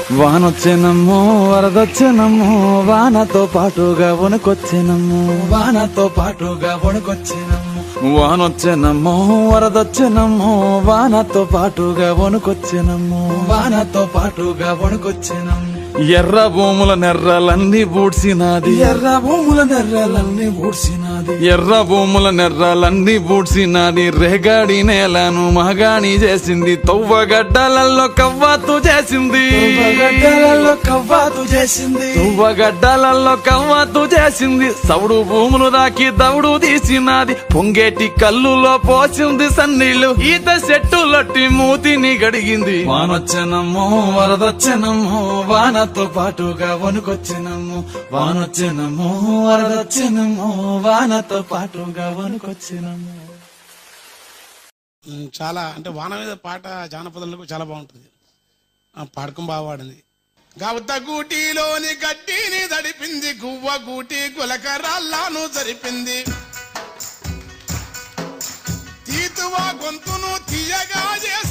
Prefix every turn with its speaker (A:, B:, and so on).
A: వానొచ్చెనమ్మో వరదొచ్చెనమ్మో వానతో పాటుగా వణుకొచ్చెనమ్మో వానతో పాటుగా వణుకొచ్చెనమ్మో వానొచ్చెనమ్మో వరదొచ్చెనమ్మో వానతో పాటుగా వణుకొచ్చెనమ్మో వానతో పాటుగా వణుకొచ్చెనమ్మో ఎర్ర భూముల నెర్రలన్నీ బూడ్సినాది ఎర్ర భూముల నెర్రలన్నీ బూడ్సినాది ఎర్ర భూముల నెర్రలన్నీ బూడ్సినాది రేగాడి నేలను మగాణి చేసింది తవ్వగడ్డలలో కవ్వాతు చేసింది గడ్డలలో కవ్వాతు చేసింది తువ్వగడ్డలలో కవ్వాతు చేసింది సౌడు భూములు దాకి దౌడు తీసినది పొంగేటి కల్లులో పోసింది సన్నీళ్లు ఈత చెట్టులట్టి మూతిని గడిగింది వానొచ్చెనమ్మో వరదొచ్చెనమ్మో వానతో పాటుగా వణుకొచ్చెనమ్మో వానొచ్చెనమ్మో వరదొచ్చెనమ్మో వానతో పాటుగా వణుకొచ్చెనమ్మో.
B: చాలా అంటే వాన మీద పాట జానపదంలో చాలా బాగుంటుంది. పాడకం బాగా వాడింది. గవత గూటిలోని గడ్డిని దడిపింది గువ్వ గూటి గులకరాళ్ళను జరిపింది తీతువా గొంతును తీయగా చేసి